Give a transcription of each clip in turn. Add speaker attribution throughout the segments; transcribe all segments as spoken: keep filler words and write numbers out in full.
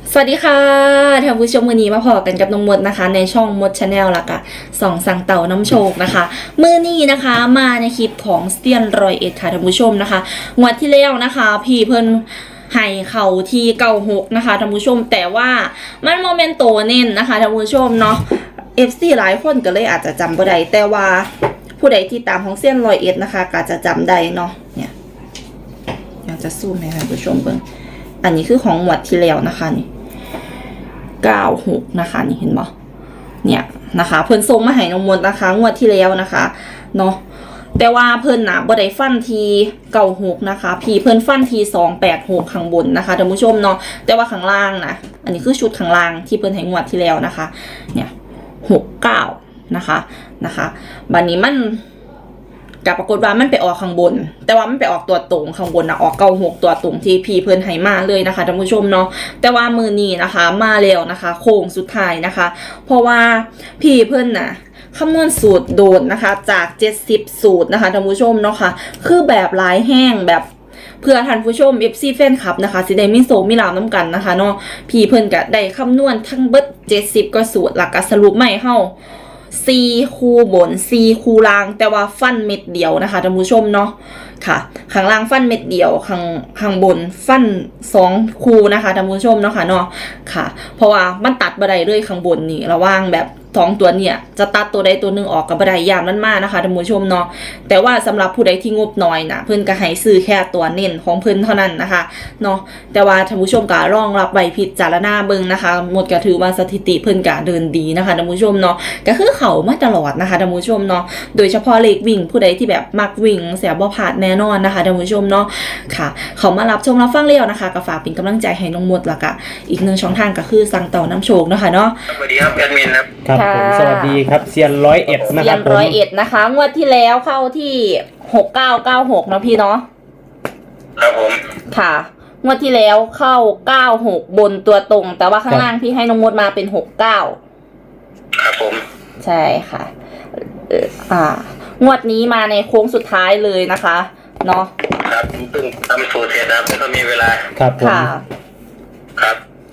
Speaker 1: สวัสดีค่ะท่านผู้ชมมือนี้มาพอกันกับน้องมดนะคะในช่องมดชาแนลละค่ะสองสังเต่าน้ำโชคนะคะมือนี้นะคะมาในคลิปของเซียนรอยเอ็ดค่ะท่านผู้ชมนะคะงวดที่แล้วนะคะพี่เพิ่นให้เข่าที่เก้าหกนะคะท่านผู้ชมแต่ว่ามันโมเมนโตเน้นนะคะท่านผู้ชมเนาะเอฟซีหลายคนก็เลยอาจจะจำบ่ได้แต่ว่าผู้ใดที่ตามของเซียนรอยเอ็ดนะคะก็จะจำได้เนาะเนี่ยอยากจะซูมให้ท่านผู้ชมเบิ่งอันนี้คือของงวดที่แล้วนะคะนี่เก้าหกนะคะนี่เห็นบ่เนี่ยนะคะเพิ่นส่งมาให้น้องมดนะคะงวดที่แล้วนะคะเนาะแต่ว่าเพิ่นน่ะบ่ได้ฟันทีเก้าหกนะคะพี่เพิ่นฟันทีสองแปดหกข้างบนนะคะท่านผู้ชมเนาะแต่ว่าข้างล่างนะอันนี้คือชุดข้างล่างที่เพิ่นให้งวดที่แล้วนะคะเนี่ยหกเก้านะคะนะคะบัดนี้มันกับปรากฏว่ามันไปออกข้างบนแต่ว่ามันไปออกตัวตรงข้างบนนะออกเก้าหกตัวตรงที่พี่เพิ่นให้มาเลยนะคะท่านผู้ชมเนาะแต่ว่ามือนี้นะคะมาแล้วนะคะโค้งสุดท้ายนะคะเพราะว่าพี่เพิ่นน่ะคำนวณสูตรโดดนะคะจากเจ็ดสิบสูตรนะคะท่านผู้ชมเนาะค่ะคือแบบหลายแห้งแบบเพื่อท่านผู้ชม เอฟ ซี แฟนคลับนะคะสิได้มีโซมีลาวน้ำกันนะคะเนาะพี่เพิ่นก็ได้คำนวณทั้งเบิดเจ็ดสิบก็สูตรหลักก็สรุปใหม่เฮาสี่คูบนสี่คูล่างแต่ว่าฟันเม็ดเดียวนะคะท่านผู้ชมเนาะค่ะข้างล่างฟันเม็ดเดียวข้างข้างบนฟันสองคูนะคะท่านผู้ชมเนาะค่ะเนาะค่ะเพราะว่ามันตัดบันไดเลยข้างบนนี่ระว่างแบบสองตัวเนี่ยจะตัดตัวใดตัวหนึ่งออกกับบันไดยามนั้นมากนะคะท่านผู้ชมเนาะแต่ว่าสำหรับผู้ใดที่งบน้อยนะเพิ่นก็ให้ซื้อแค่ตัวเน้นของเพิ่นเท่านั้นนะคะเนาะแต่ว่าท่านผู้ชมก็รองรับใบพิจารณาเบิ่งนะคะหมดก็ถือว่าสถิติเพิ่นก็เดินดีนะคะท่านผู้ชมเนาะก็คือเขามาตลอดนะคะท่านผู้ชมเนาะโดยเฉพาะเลขวิ่งผู้ใดที่แบบมักวิ่งเสียบ่พลาดแน่นอนนะคะท่านผู้ชมเนาะค่ะเขามารับชมรับฟังเร็วนะคะก็ฝากเป็นกำลังใจให้น้องมดละกะอีกหนึ่งช่องทางก็คือสั่งต่อน้ำโชคนะคะเนาะ
Speaker 2: สวัสดีครับแอดมินครับ
Speaker 3: ครับผมสวัสดีครับเซียนร้อยเอ็ดนะค
Speaker 1: เซีย
Speaker 3: รับ
Speaker 1: น
Speaker 3: ผม
Speaker 1: ร้อยเอ็ดนะคะงวดที่แล้วเข้าที่หกเก้าเก้าหกนะพี่เนาะ
Speaker 2: ครับผม
Speaker 1: ค่ะงวดที่แล้วเข้าเก้าหกบนตัวตรงแต่ว่าข้างล่างพี่ให้น้องมดมาเป็นหกเก้า
Speaker 2: ครับผม
Speaker 1: ใช่ค่ะเอ่ออ่างวดนี้มาในโค้งสุดท้ายเลยนะคะเนาะ
Speaker 2: ครับเพิ่งทำสูตรเสร็จครับแล้วก็มีเวลา
Speaker 3: ครับผม
Speaker 1: ค่ะ
Speaker 2: ครับ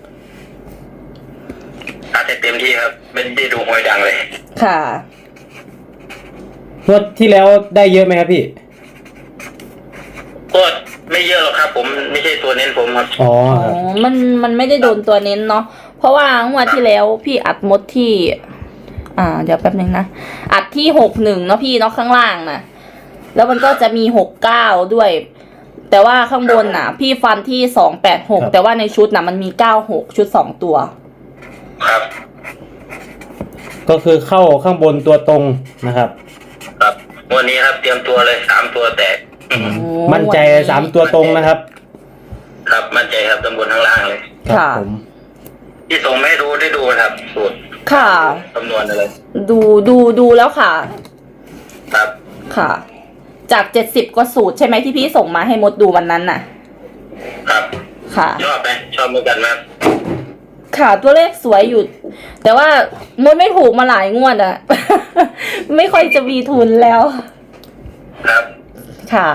Speaker 2: อาจจะเต็มที่ครับไม่ได้ดูหวยดังเลย
Speaker 1: ค่ะ
Speaker 3: งวดที่แล้วได้เยอะไหมครับพี่
Speaker 2: ก็ไม่เยอะหรอกครับผมไม่ใช่ตัวเน้นผมครับ
Speaker 3: อ๋อ
Speaker 1: อ๋อมันมันไม่ได้โดนตัวเน้นเนาะเพราะว่างวดที่แล้วพี่อัดมดที่อ่าเดี๋ยวแป๊บนึงนะอัดที่หกหนึ่งเนาะพี่เนาะข้างล่างนะแล้วมันก็จะมีหกเก้าด้วยแต่ว่าข้างบนน่ะพี่ฟันที่สองแปดหกแต่ว่าในชุดน่ะมันมีเก้าหกชุดสองตัว
Speaker 2: ครับ
Speaker 3: ก็คือเข้าข้างบนตัวตรงนะครับ
Speaker 2: ครับวันนี้ครับเตรียมตัวเลยสามตัวแตก
Speaker 3: มั่นใจสามตัวตรงนะครับ
Speaker 2: ครับมั่นใจครับตำบลทั้งล่างเลย
Speaker 1: ค่ะ
Speaker 3: ผม
Speaker 2: ที่ส่งไม่รู้ได้ดูครับสูตร
Speaker 1: ค่ะ
Speaker 2: คำนวณอะไร
Speaker 1: ดูดูดูแล้วค่ะ
Speaker 2: ครับ
Speaker 1: ค่ะจากเจ็ดสิบกว่าสูตรใช่ไหมที่พี่ส่งมาให้มดดูวันนั้นน่ะ
Speaker 2: ครับ
Speaker 1: ค่ะ
Speaker 2: ชอบไหมชอบเหมือนกันไหม
Speaker 1: ค่ะตัวเลขสวยอยู่แต่ว่ามดไม่ถูกมาหลายงวดอะ ไม่ค่อยจะมีทุนแล้ว
Speaker 2: ครับ
Speaker 1: ค่ะ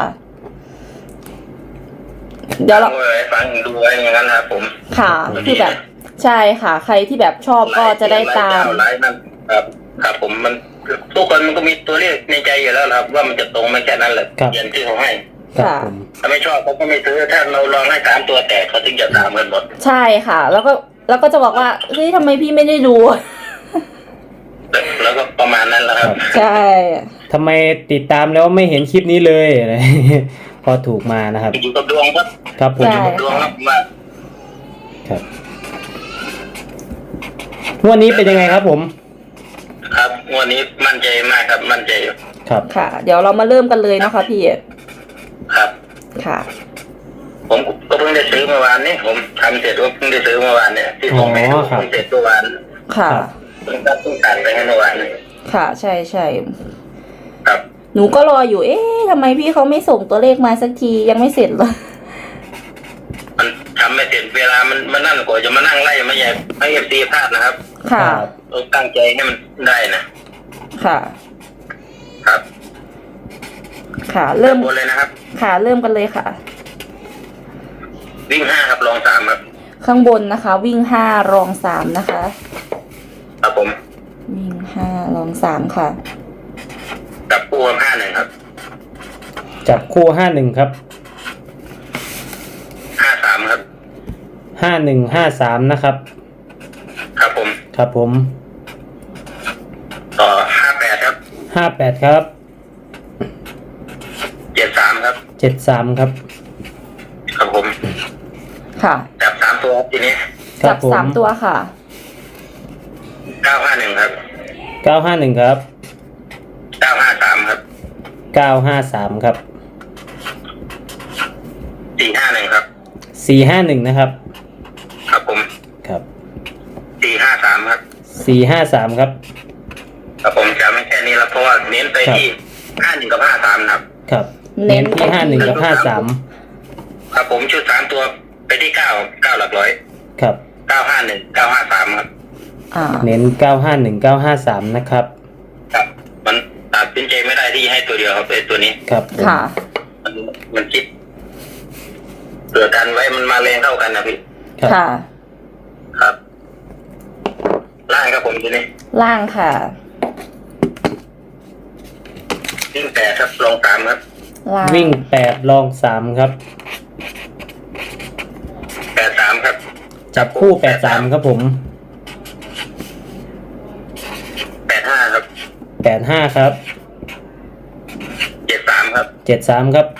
Speaker 1: เดี๋ยวเรา
Speaker 2: ฟังดูไว้อย่างนั้นครับผม
Speaker 1: ค่ะคือแบบใช่ค่ะใครที่แบบชอบก็จะได้ตาม
Speaker 2: ไลฟ์นั่นครับครับผมมันทุกคนมันก็มีตัวเลขในใจอยู่แล้วครับว่ามันจะตรงไม่แค่นั้นแหละอย่างที่เขาให้
Speaker 1: ค่ะ
Speaker 2: ถ้าไม่ชอบเขาก็ไม่ซื้อถ้าเราลองให้สามตัวแตกเขาถึงจะตามกันหมด
Speaker 1: ใช่ค่ะแล้วก็แล้วก็จะบอกว่าเฮ้ยทำไมพี่ไม่ได้ดู
Speaker 2: แล้วก็ประมาณนั้นแหละครับ
Speaker 1: ใช่
Speaker 3: ทำไมติดตามแล้วไม่เห็นคลิปนี้เลยอะไรพอถูกมานะครับ
Speaker 2: อยู่กับดวงครับ
Speaker 3: ครับผมอยู่
Speaker 2: กับดวงครับมา
Speaker 3: ครับวันนี้เป็นยังไงครับผม
Speaker 2: ครับวันนี้มั่นใจมากครับมั่นใจอยู่
Speaker 3: ครับ
Speaker 1: ค่ะเดี๋ยวเรามาเริ่มกันเลยนะคะพี่
Speaker 2: ครับ
Speaker 1: ค่ะ
Speaker 2: ผมก็เพิ่งได้ซื้อเมื่อวานนี้ผมทำเสร็จก็เพิ่งได้ซื้อเมื่อวานเนี่ยที่ส่งไปให้ผมเสร็จเมื่อวาน
Speaker 1: ค่ะ
Speaker 2: เพิ่งตัดต้นการไปให้เมื่อวาน
Speaker 1: ค่ะใช่ใช่
Speaker 2: ครับ
Speaker 1: หนูก็รออยู่เอ๊ะทำไมพี่เขาไม่ส่งตัวเลขมาสักทียังไม่เสร็จเลย
Speaker 2: มันทำไม่เสร็จเวลามันมันนั่นกว่าจะมานั่งไล่ไม่ใหญ่ให้เอฟซีพลาดนะครับ
Speaker 1: ค่ะ
Speaker 2: ต้องตั้งใจให้มันได้นะ
Speaker 1: ค่ะ
Speaker 2: ครับ
Speaker 1: ค่ะเริ่ม
Speaker 2: เลยนะครับ
Speaker 1: ค่ะเริ่มกันเลยค่ะ
Speaker 2: วิ่งห้าครับลองสามครับ
Speaker 1: ข้างบนนะคะ วิ่งห้ารองสามนะคะ
Speaker 2: ครับผม
Speaker 1: วิ่งห้ารองสามค่ะ
Speaker 2: กับคู่ห้าหนึ่งครับ
Speaker 3: จับคู่ห้าหนึ่งครับ
Speaker 2: ห้าสามครับ
Speaker 3: ห้าหนึ่งห้าสามนะครับ
Speaker 2: ครับผม
Speaker 3: ครับผม
Speaker 2: ต่อห้าแปดครับ
Speaker 3: ห้าแปดครับ
Speaker 2: เจ็ดสามครับ
Speaker 3: เจ็ดสามครับ
Speaker 2: ครับผม
Speaker 1: ค่ะ
Speaker 2: จับสามตัวทีนี้
Speaker 3: ครั
Speaker 1: จั
Speaker 3: บบ ผม
Speaker 1: สามตัวค่ะ
Speaker 2: เก้าห้าหนึ่งครับ
Speaker 3: เก้าห้าหนึ่งครับ
Speaker 2: เก้าห้าสามครับ
Speaker 3: เก้าห้าสามครับ
Speaker 2: สี่ห้าหนึ่งครับ
Speaker 3: สี่ห้าหนึ่งนะครับ
Speaker 2: ครับผม
Speaker 3: ครับ
Speaker 2: สี่ห้าสามครับ
Speaker 3: สี่ห้าสามครับ
Speaker 2: ครับผมจะไม่แค่นี้แล้วเพราะว่าเน้นไปที่ห้าหนึ่งกับห้าสามนะครับ
Speaker 3: ครับ
Speaker 1: เน้
Speaker 3: เน้น
Speaker 1: น
Speaker 3: ที่
Speaker 1: ไปที่
Speaker 3: ห้าหนึ่งกับห้าสาม
Speaker 2: ครับผมชุดสามตัวไปที่เก้าเก้าหลักร้อย
Speaker 3: ครับ
Speaker 2: เก้าห้าหนึ่งเก้าห้าสามครับ
Speaker 1: อ่า
Speaker 3: เน้นเก้าห้าหนึ่งเก้าห้าสามนะครับ
Speaker 2: ครับ มันตัดสินใจไม่ได้ที่ให้ตัวเดียวครับไอ้ตัวนี้
Speaker 3: ครับผม
Speaker 1: ค่ะ
Speaker 2: มันมันคิดเผื่อกันไว้มันมาแรงเท่ากันนะพี่
Speaker 3: ครับ
Speaker 1: ค่ะ
Speaker 2: ครับ ล่างครับผมทีนี้
Speaker 1: ล่างค่ะ
Speaker 2: วิ่งแปดครับลงสามครับ
Speaker 1: ล่าง
Speaker 3: วิ่งแปดลองสามครับ
Speaker 2: แปดสามครับ
Speaker 3: จับคู่แปดสามครับผม
Speaker 2: แปดห้าครับ
Speaker 3: แปดห้าครับ
Speaker 2: เจ็ดสามครับ
Speaker 3: เจ็ดสามครับ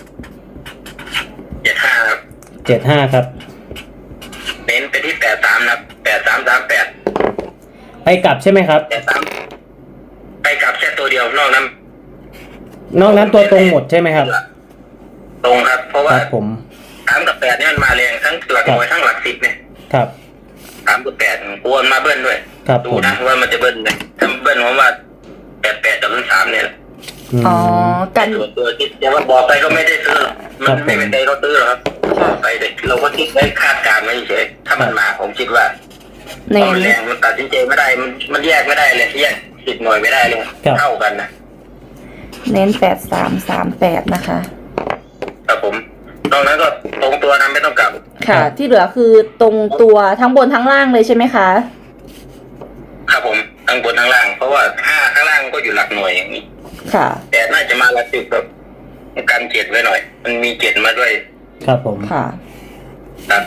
Speaker 2: เจ็ดห้าครับ
Speaker 3: เจ็ดห้าครับ
Speaker 2: เน้นไปที่แปดสามนะครับแปดสามสามแปด
Speaker 3: ไปกลับใช่ไหมครับ
Speaker 2: แปดสามไปกลับแค่ตัวเดียวนอกนั้น
Speaker 3: นอกนั้นตัวตรงหมดใช่ไหมครับ
Speaker 2: ตรงครับ เพราะ
Speaker 3: ค
Speaker 2: ว่า
Speaker 3: รับผม
Speaker 2: สามกับแปดเนี่ยมันมาแรงทั้งหลักหน่วยทั้งหลักสิบเนี่ย
Speaker 3: ครับ
Speaker 2: สามกับแปดกวนมาเบิ้ลด้วย
Speaker 3: ครับ
Speaker 2: ดู
Speaker 3: ผม
Speaker 2: นะว่ามันจะเบิ้ลไหมถ้าเบิ้ลผมว่าแปดแปดกับสามเนี่ย
Speaker 3: อืม
Speaker 1: อ๋อ กัน
Speaker 2: ส่วนตัวคิดแต่ว่าบอกไปก็ไม่ได้ซื้อมั
Speaker 3: ครั
Speaker 2: น
Speaker 3: บผม
Speaker 2: ไม่เป็นใจเขาซื้อหรอกครับบอกไปเด็กเราก็คิดไว้คาดการณ์ไว้เฉยถ้ามันมาผมคิดว่า
Speaker 1: เน้
Speaker 2: พอน มันแรงมันตัดสินใจไม่ได้มันมันแยกไม่ได้เลยแยกสิบหน่วยไม่ได้เลยเท่ากันนะ
Speaker 1: เน้นแปดสามสามแปดนะคะ
Speaker 2: ครับผมตรงนั้นก็ตรงตัวนั้นไม่ต้องกลับ
Speaker 1: ค่ะ ที่เหลือคือตรงตัวทั้งบนทั้งล่างเลยใช่ไหมคะ
Speaker 2: ครับผมทั้งบนทั้งล่าง เพราะว่าห้าข้างล่างก็อยู่หลักหน่วยอย่างนี้
Speaker 1: ค่ะ
Speaker 2: แต่น่าจะมาหลักสิบแบบกันเจ็ดไว้หน่อย มันมีเจ็ดมาด้วย
Speaker 3: ครับผม
Speaker 1: ค่ะ
Speaker 2: ครับ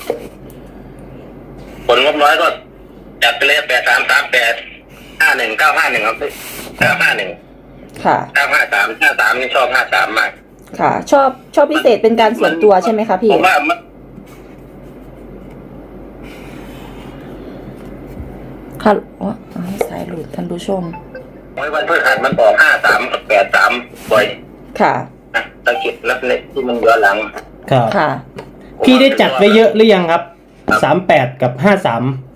Speaker 2: ผลงบน้อยก็จัดไปเลยแปดสามสามแปดห้าหนึ่งเก้าห้าหนึ่งครับเก้าห้าหนึ่ง
Speaker 1: ค่ะ
Speaker 2: เก้าห้าสามห้าสามนี่ชอบห้าสามมาก
Speaker 1: ค่ะ ชอบชอบพิเศษเป็นการส่วนตัวใช่ไหมคะพี่
Speaker 2: ผมว่ามัน
Speaker 1: ค่ะอ๋ออ้าวสายหลุดท่านผู้ชม
Speaker 2: ไว้วันพฤหัสมันออกห้าสามกับแปดสามบ่อย
Speaker 1: ค่ะ
Speaker 2: นะสังเกตรับเล็กที่มันย้อนหลัง
Speaker 3: ครับ
Speaker 1: ค่ะ
Speaker 3: พี่ได้จัดไว้เยอะหรือยังครับสามแปดกับห้าสาม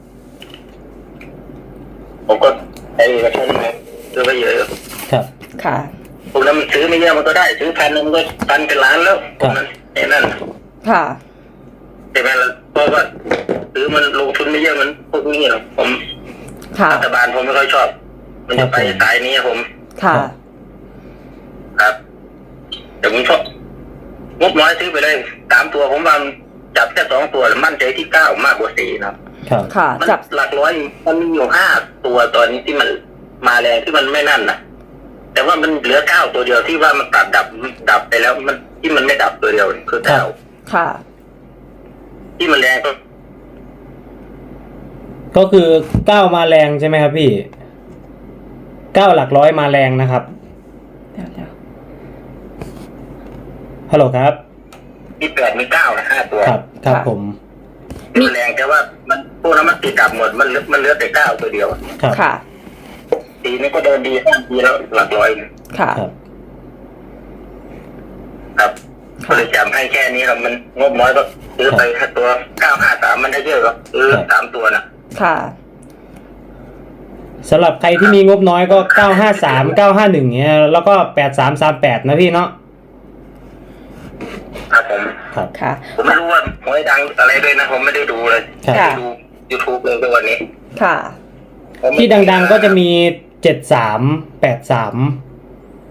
Speaker 2: ผมก็ไอ้กระชุ่มนะซื้อไปเยอะ
Speaker 3: ครับ
Speaker 1: ค่ะ
Speaker 2: ผมนั้นมันซื้อไม่เยอะมันก็ได้ซื้อพันหนึงมันก็พันเป็นล้านแล้วผมนั้นไอ้นั่น
Speaker 1: ค่ะ
Speaker 2: ใช่ไหมล่ะเพราะว่าซื้อมันลงทุนไม่เยอะมันพวกนี้หรอกผม
Speaker 1: ค่ะ
Speaker 2: รัฐบาลผมไม่ค่อยชอบ มันจะไปสายนี้ผม
Speaker 1: ค่ะ
Speaker 2: ครับแต่ผมชอบงบน้อยซื้อไปเลยสามตัวผมว่าจับแค่สองตัวแล้วมั่นใจที่เก้ามากกว่าสี่นะครับ
Speaker 3: ครับ
Speaker 1: ค่ะ
Speaker 2: มัน
Speaker 1: จับ
Speaker 2: หลักร้อยมันมีอยู่ห้าตัวตอนนี้ที่มันมาแรงที่มันไม่นั่นนะแต่ว่ามันเหลือเก้าตัวเดียวที่ว่ามันตัดดับดับไปแล้วมันที่มันไม่ดับตัวเดียวคือเก้า
Speaker 1: ค่ะ
Speaker 2: ที่มันแรงก็
Speaker 3: ก็คือเก้ามาแรงใช่ไหมครับพี่เก้าหลักร้อยมาแรงนะครับ
Speaker 1: เดี๋ยวเดี๋ยว
Speaker 3: ฮัลโหลครับ
Speaker 2: มีแปดมีเก้านะห้าตัว
Speaker 3: ครับครับผม
Speaker 2: ที่มันแรงแต่ว่ามันพวกนั้นมันติดดับหมดมันเหลือมันเหลือแต่เก้าตัวเดียว
Speaker 3: ครับ
Speaker 1: ค่ะ
Speaker 2: ตีนี้ก็เดินดีห้าทีแล้วหลักร้อยนะ
Speaker 1: ค่ะ
Speaker 3: ครับ
Speaker 2: ครับก็เลยจำให้แค่นี้ครับมันงบน้อยก็ซื้อไปแค่ตัวเก้าห้าสามมันได้เยอะครับซื้อสามตัวนะ
Speaker 1: ค่ะ
Speaker 3: สำหรับใครที่มีงบน้อยก็เก้าห้าสามเก้าห้าหนึ่งเนี้ยแล้วก็แปดสามสามแปดนะพี่เนาะ
Speaker 2: ครับผม
Speaker 3: ครับ
Speaker 1: ค่ะ
Speaker 2: ผมไม่รู้ว่าหวยดังอะไรด้วยนะผมไม่ได้ดูเลย
Speaker 3: ครับ
Speaker 2: ไม่ได้ดูยูทูบเลยในวันนี้
Speaker 1: ค่ะ
Speaker 2: ผมไม่
Speaker 3: ที่ดังๆก็จะมีเจ็ดสามแปดสาม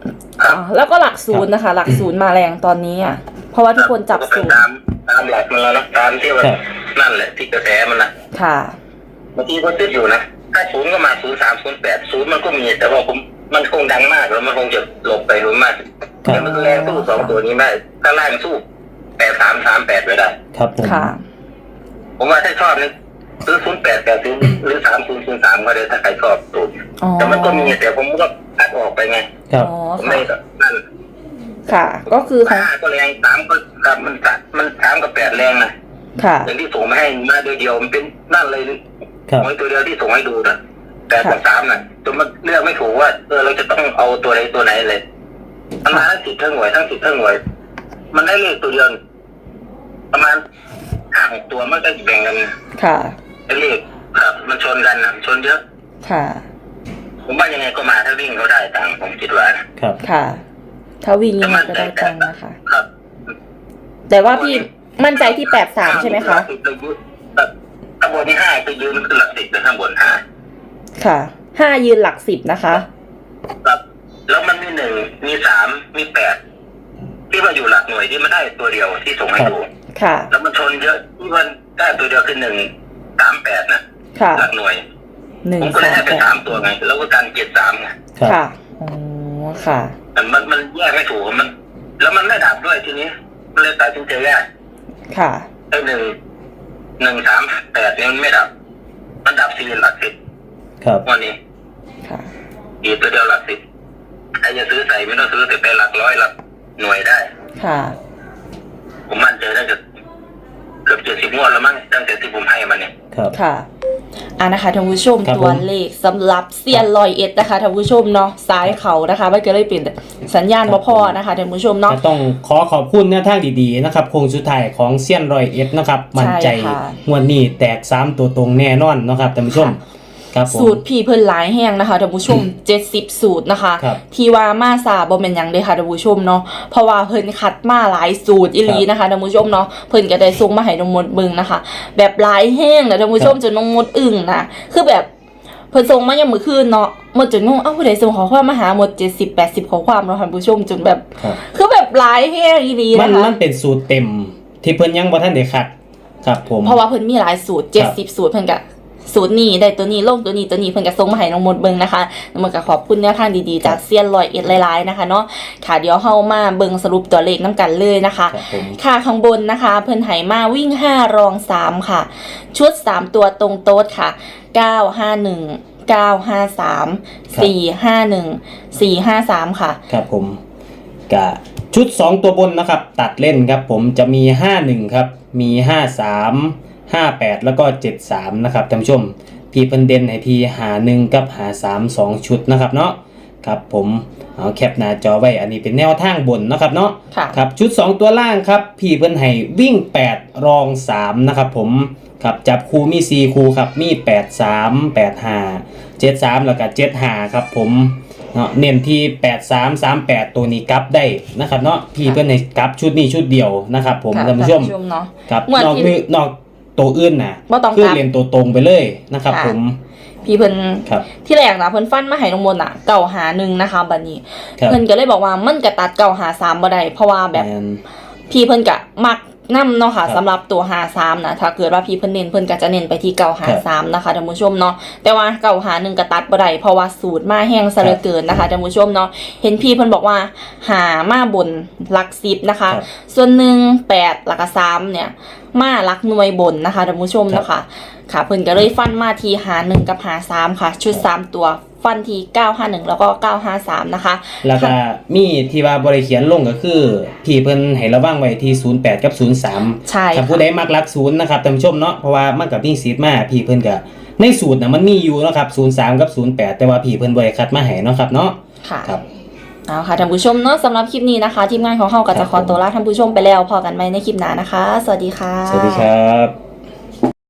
Speaker 2: ครับ
Speaker 1: อ่าแล้วก็หลักศูนย์นะคะ หลักศูนย์มาแรงตอนนี้อ่ะเพราะว่าทุกคนจับ
Speaker 2: ก็
Speaker 1: ศู
Speaker 2: เป็น
Speaker 1: นย์
Speaker 2: ตามตามหลักมันแล้วนะตามที่ว่า
Speaker 3: ครับ
Speaker 2: นั่นแหละที่กระแสมันนะ
Speaker 1: ค่ะ
Speaker 2: บางทีก็ติดอยู่นะถ้าศูนย์ก็มาศูนย์สามศูนย์แปดศูนย์มันก็มีแต่ว่าผมมันคงดังมากแล้วมันคงจะหลบไปหรือมากแต่มันแรงสู้สองตัวนี้ได้ถ้าล่างสู้แปดสามสามแปดไม่ได้
Speaker 3: ครับผม
Speaker 1: ค่ะ
Speaker 2: ผมว่าถ้าชอบนี่ซื้อศูนย์แปดแปดศูนย์หรือสามศูนย์ศูนย์สามก็ได้ถ้าใครชอบสูตร
Speaker 1: อ๋อ
Speaker 2: แต่มันก็มีแต่ผมก็คัดออกไปไง
Speaker 3: ครับ
Speaker 1: อ๋อ
Speaker 2: ผมไม่
Speaker 1: ค่ะ
Speaker 2: นั่น
Speaker 1: ค่ะ ก็คือของ
Speaker 2: ห้าก็แรงสามก็กับมันสะมันสามกับแปดแรงนะ
Speaker 1: ค่ะ
Speaker 2: อย่างที่ส่งมาให้มาโดยเดียวมันเป็นนั่นเลย
Speaker 3: ครับ
Speaker 2: มวยตัวเดียวที่ส่งให้ดูนะแปดกับสามน่ะจนมันเลือกไม่ถูกว่าเออเราจะต้องเอาตัวไหนตัวไหนเลยมันมาทั้งสิบทั้งหน่วยทั้งสิบทั้งหน่วย มันได้เลขตัวเดียวประมาณห้าหกตัวมันก็แบ่งกัน
Speaker 1: ค่ะ
Speaker 2: ได้เลขครับ มันชนกันนะชนเยอะ
Speaker 1: ค่ะ
Speaker 2: ผมว่ายังไงก็มาถ้าวิ่งเขาได้ตังค์ผมคิดว่านะครับ
Speaker 1: ค่ะ ถ้าวิ่งยังไงก็ได้ตังค์นะคะ
Speaker 2: ครับ
Speaker 1: แต่ว่าพี่มั่นใจที่แปดสามใช่ไหมคะ
Speaker 2: ข้างบนที่ห้าไปยืนคือหลักสิบเลยข้างบนห้า
Speaker 1: ค่ะ ห้ายืนหลักสิบนะคะ
Speaker 2: ครับแล้วมันมีหนึ่งมีสามมีแปดที่ว่าอยู่หลักหน่วยที่มันได้ตัวเดียวที่ส่งให้ดู
Speaker 1: ค่ะ
Speaker 2: แล้วมันชนเยอะที่มันได้ตัวเดียวคือหนึ่งสามแปดนะ
Speaker 1: ค่ะ
Speaker 2: หลักหน่วย
Speaker 1: หนึ่ง
Speaker 2: ผมก็เล
Speaker 1: สาย ม
Speaker 2: ให้ไป
Speaker 1: แปด
Speaker 2: สามตัวไงแล้วก็การเจ็ดสามไง
Speaker 3: ครับ
Speaker 1: ค่ะ อ๋อ ค่ะ
Speaker 2: มันมันมันแยกไม่ถูกมัน แล้วมันไม่ดับด้วยทีนี้มันเลยตัดสินใจแยก
Speaker 1: ค่ะ
Speaker 2: ไอ้หนึ่งหนึ่งสามแปดนี่มันไม่ดับ มันดับสี่หลักสิบ
Speaker 3: ครับ
Speaker 2: วันนี้
Speaker 1: ค่ะ
Speaker 2: อีกตัวเดียวหลักสิบใครจะซื้อใส่ไม่ต้องซื้อแต่ไปหลักร้อยหลักหน่วยได้
Speaker 1: ค่ะ
Speaker 2: ผมมั่นใจน่าจะเกือบเจ็ดสิบงวดแล้วมั้งตั้งแต่ที่ผมให้มันเนี่ย
Speaker 3: ครับ
Speaker 1: ค่ะอ่านะคะท่านผู้ชม
Speaker 3: ครับ
Speaker 1: ตัว
Speaker 3: ผม
Speaker 1: เลขสำหรับเซียนลอยเอ็ดนะคะท่านผู้ชมเนาะซ้ายเขานะคะมันก็เลยเป็นสัญญาณบ่พอนะคะท่านผู้ชมเนาะ
Speaker 3: ก็ต้องขอขอบคุณแนวทางดีๆนะครับโครงสุดท้ายของเซียนรอยเอ็ดนะครับมั่นใจ
Speaker 1: ใช่ค่ะ
Speaker 3: งวดนี้แตกสามตัวตรงแน่นอนนะครับท่านผู้ชม ครับผม
Speaker 1: สูตรพี่เพิ่นหลายแห้งนะคะท่านผู้ชม เจ็ดสิบสูตรนะคะ
Speaker 3: ครับ
Speaker 1: ที่ว่ามาซาบ่แม่นหยังเด้อค่ะท่านผู้ชมเนาะเพราะว่าเพิ่นคัดมาหลายสูตรอีหลีนะคะท่านผู้ชมเนาะเพิ่นก็ได้ส่งมาให้น้องมดเบิ่งนะคะ แบบหลายแห้งนะท่านผู้ชมจนน้องมดอึ้งนะคือแบบเพิ่นส่งมายังมื้อคืนเนาะหมดจนงงเอ้าผู้ใดส่งข้อความมาหาหมดเจ็ดสิบ แปดสิบข้อความเนาะท่านผู้ชมจนแบบ
Speaker 3: ครับ
Speaker 1: คือแบบหลายแห้งอีหลี
Speaker 3: มัน
Speaker 1: นะคะ
Speaker 3: มันเป็นสูตรเต็ม ที่เพิ่นยังบ่ทันได้คัดครับผม
Speaker 1: เพราะว่าเพิ่นมีหลายสูตรเจ็ดสิบสูตรเพิ่นก็สูตรนี้ได้ตัวนี้ลงตัวนี้ตัวนี้เพิ่นก็ส่งมาให้น้องมดเบิ่งนะคะน้องมดก็ขอบคุณแนวทางดีๆจากเซียนลอยเอ็ดหลายๆนะคะเนาะค่ะเดี๋ยวเฮามาเบิ่งสรุปตัวเลขนํกันเลยนะคะ
Speaker 3: ครับผม
Speaker 1: ค่ะข้างบนนะคะ เพิ่นให้มาวิ่งห้ารองสามค่ะ ชุดสามตัวตรงโต๊ดค่ะเก้าห้าหนึ่ง เก้าห้าสาม สี่ห้าหนึ่ง สี่ห้าสามค่ะ
Speaker 3: ครับผมกะชุดสองตัวบนนะครับ ตัดเล่นครับผมจะมีห้าหนึ่งครับมีห้าสาม ห้าแปดแล้วก็เจ็ดสามนะครับท่านผู้ชมพี่เพิ่นเด่นให้ที่หาหนึ่งกับหาสาม สองชุดนะครับเนาะครับผมเอาแคปหน้าจอไว้อันนี้เป็นแนวทางบนนะครับเนาะ
Speaker 1: ค่ะ
Speaker 3: ครับชุดสองตัวล่างครับพี่เพิ่นให้วิ่งแปดรองสามนะครับผมครับจับคู่มีสี่คู่ครับมีแปดสาม แปดห้า เจ็ดสามแล้วก็เจ็ดห้าครับผมเนาะเน้นที่แปดสาม สามแปดตัวนี้กลับได้นะครับเนาะพี่เพิ่นให้กลับชุดนี้ชุดเดียวนะครับผม
Speaker 1: ค่ะ
Speaker 3: ท่านผู้ชม
Speaker 1: ท่านผู้ชมเนาะ
Speaker 3: ครับ
Speaker 1: งวด
Speaker 3: นอก
Speaker 1: ที่
Speaker 3: นี้นอกตัวอื่นน่ะ
Speaker 1: บ่ต้องกลับ
Speaker 3: คือเรียนตัวตรงไปเลยนะครับ
Speaker 1: ค่ะ
Speaker 3: ผม
Speaker 1: พี่เพิ่น
Speaker 3: ครับ
Speaker 1: ที่แรกนะเพิ่นฟันมาให้น้องมนต์อ่ะเก่าหาหนึ่งนะคะบัดนี้
Speaker 3: ครับ
Speaker 1: เพิ่นก็เลยบอกว่ามันก็ตัดเก่าหาสามบ่ได้เพราะว่าแบบ
Speaker 3: แม่น
Speaker 1: พี่เพิ่นก็มักนํเนาะค่ะ
Speaker 3: ครับ
Speaker 1: สำหรับตัวหาสามนะถ้าเกิดว่าพี่เพิ่นเน้นเพิ่นก็จะเน้นไปที่เก่าหาสามนะคะท่านผู้ชมเนาะแต่ว่าเก่าหาหนึ่งก็ตัดบ่ได้เพราะว่าสูตรมาแห้งซะเหลือเกินนะคะท่านผู้ชมเนาะเห็นพี่เพิ่นบอกว่าหามาบนหลักสิบนะคะ
Speaker 3: ครับ
Speaker 1: ส่วนหนึ่งแปดหลักสามเนี่ยมาหลักหน่วยบนนะคะท่านผู้ชมเนาะค่ะค่ะเพิ่นก็เลยฟันมาที่หาหนึ่งกับหาสามค่ะ ชุดสามตัวฟันที่เก้าห้าหนึ่งแล้วก็เก้าห้าสามนะคะ
Speaker 3: แล้วก็มีที่ว่าบริเขียนลงก็คือพี่เพิ่นให้ระวังไว้ที่ศูนย์แปดกับศูนย์สาม
Speaker 1: ใช่
Speaker 3: ถ้าผู้
Speaker 1: ค่ะ
Speaker 3: ใดมักรักศูนย์นะครับท่านผู้ชมเนาะเพราะว่ามันกับวิ่งซีดมาพี่เพิ่นก็ในสูตรน่ะมันมีอยู่เนาะครับศูนย์สามกับศูนย์แปดแต่ว่าพี่เพิ่นบ่ได้คัดมาให้เนาะครับเนาะ
Speaker 1: ค่ะ
Speaker 3: ครับ
Speaker 1: เอาค่ะท่านผู้ชมเนาะสำหรับคลิปนี้นะคะทีมงานของเฮาก็จะขอตัวลาท่านผู้ชมไปแล้วพอกันไหมในคลิปหน้านะคะ สวัสดีค่ะ
Speaker 3: สวัสดีครับ